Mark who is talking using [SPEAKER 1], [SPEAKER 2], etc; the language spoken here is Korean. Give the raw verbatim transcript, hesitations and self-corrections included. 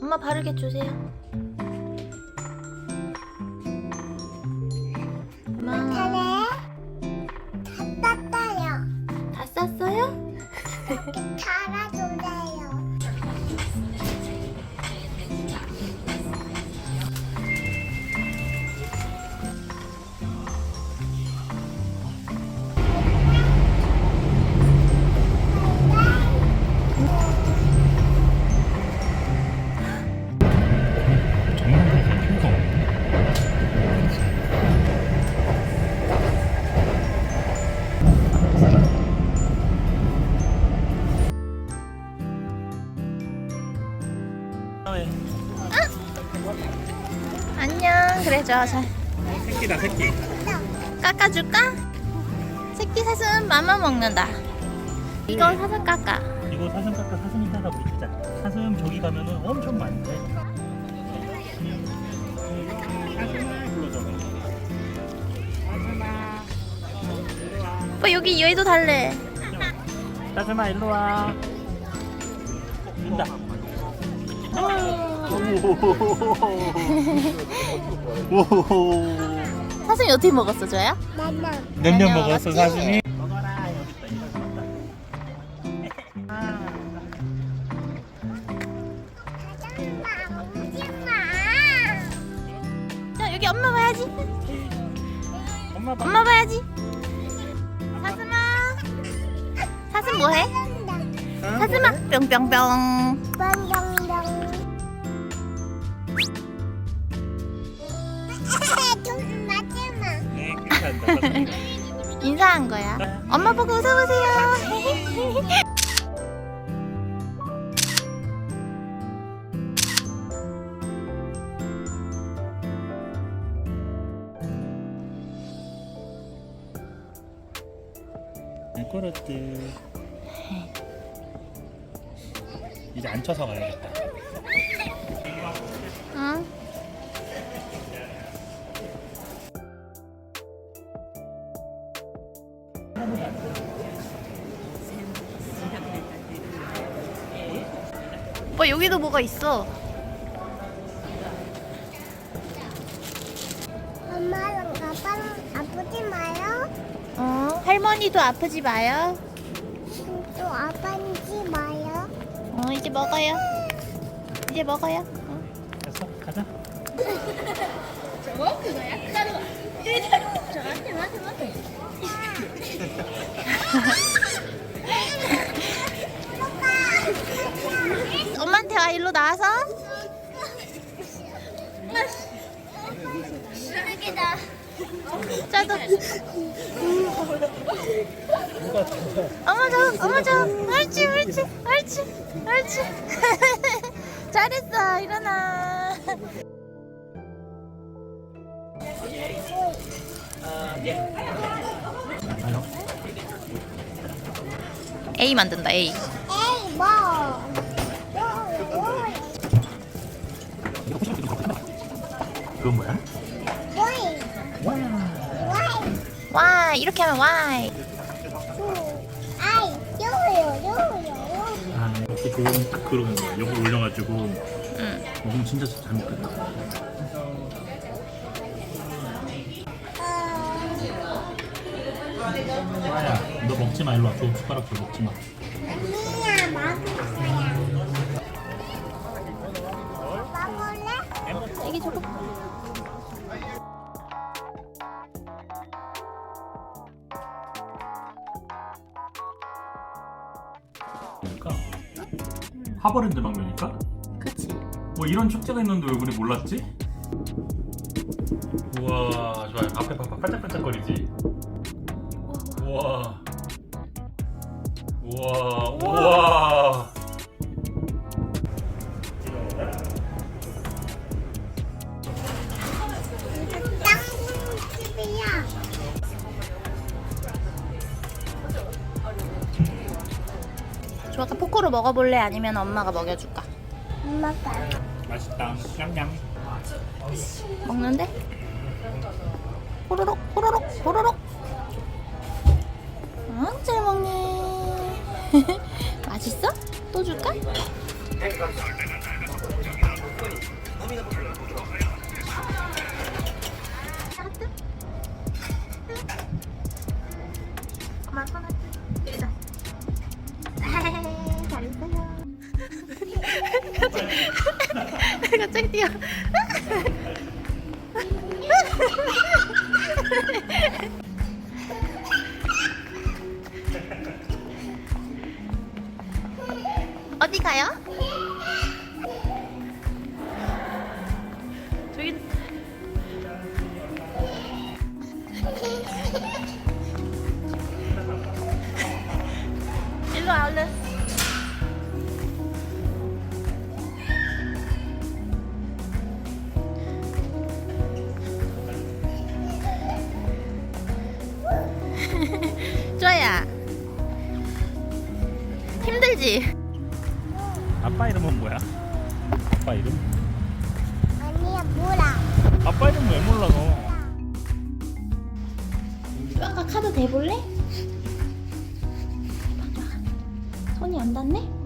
[SPEAKER 1] 엄마 바르게 주세요. 고마워.
[SPEAKER 2] 다 땄어요.
[SPEAKER 1] 다 쌌어요?
[SPEAKER 2] 달아주세요.
[SPEAKER 1] 안녕. 그래 줘. 잘
[SPEAKER 3] 새끼다 새끼.
[SPEAKER 1] 깎아줄까? 새끼 사슴 맘마 먹는다. 이거 사슴 깎아.
[SPEAKER 3] 이거 사슴 깎아 사슴이 따라 우리 주자. 사슴 저기 가면은 엄청 많대. 사슴아 불러줘. 사슴아.
[SPEAKER 1] 오빠 여기 얘도 달래.
[SPEAKER 3] 사슴아 일로 와. 준다.
[SPEAKER 1] 사슴이 어떻게 먹었어, 줘야?
[SPEAKER 2] 나나.
[SPEAKER 3] 냉면
[SPEAKER 1] 냉면
[SPEAKER 3] 먹었어
[SPEAKER 1] 먹었지?
[SPEAKER 3] 사슴이. 먹어라 여기 있다 이거 먹었다.
[SPEAKER 2] 엄마, 오지마.
[SPEAKER 1] 자 여기 엄마 봐야지.
[SPEAKER 3] 엄마 봐.
[SPEAKER 1] 엄마 봐야지. 사슴아. 사슴 뭐해? 사슴아 뿅뿅뿅.
[SPEAKER 2] 빵빵빵. 좀 맞지마.
[SPEAKER 3] 네 괜찮다. 사슴이.
[SPEAKER 1] 인사한 거야. 엄마 보고 웃어보세요.
[SPEAKER 3] 미끄럽지. 이제 앉혀서 가야겠다.
[SPEAKER 1] 응. 오빠 여기도 뭐가 있어.
[SPEAKER 2] 엄마랑 아빠랑 아프지 마요.
[SPEAKER 1] 어, 할머니도 아프지 마요.
[SPEAKER 2] 또 아빠지 마요.
[SPEAKER 1] 어, 이제 먹어요. 이제 먹어요. 어.
[SPEAKER 3] 됐어 가자.
[SPEAKER 1] 엄마한테 와. 일로 나와서.
[SPEAKER 2] 쓰레기다.
[SPEAKER 1] 짜도. 어머 저, 어머 저. 옳지, 옳지, 옳지, 옳지. 잘했어. 일어나. A 만든다. A.
[SPEAKER 2] 에이 뭐.
[SPEAKER 3] 그건 뭐야?
[SPEAKER 2] 뭐이.
[SPEAKER 3] 와.
[SPEAKER 2] 와이.
[SPEAKER 1] Y. 이렇게 하면 Y.
[SPEAKER 2] 아이. 요요 요요.
[SPEAKER 3] 아 이렇게 좋은 딱 그런 거야. 요거 올려가지고
[SPEAKER 1] 응.
[SPEAKER 3] 먹으면 진짜 잘 먹겠다. 와야 너 먹지 마 일로 와. 저 숟가락 줘 먹지 마.
[SPEAKER 2] 아니야 먹을래. 먹을래?
[SPEAKER 1] 이게 저거.
[SPEAKER 3] 그러니까 하버랜드 방면이니까?
[SPEAKER 1] 그치.
[SPEAKER 3] 뭐 이런 축제가 있는데 왜 우리 몰랐지? 우와 좋아요. 앞에 봐봐 반짝반짝거리지? 우와 우와 우와
[SPEAKER 2] 땅집이야.
[SPEAKER 1] 조아가 포크로 먹어볼래? 아니면 엄마가 먹여줄까?
[SPEAKER 2] 엄마가.
[SPEAKER 3] 맛있다 냠냠.
[SPEAKER 1] 먹는데? 호로록 호로록 호로록. 응, 잘 먹네. 맛있어? 또 줄까? 갑자기 뛰어. 어디 가요? 저기. 일로 와 얼른. 좋아야. 힘들지?
[SPEAKER 3] 아빠 이름은 뭐야? 아빠 이름?
[SPEAKER 2] 아니야 몰라.
[SPEAKER 3] 아빠 이름 왜 몰라 너?
[SPEAKER 1] 아까 카드 대볼래? 손이 안 닿네?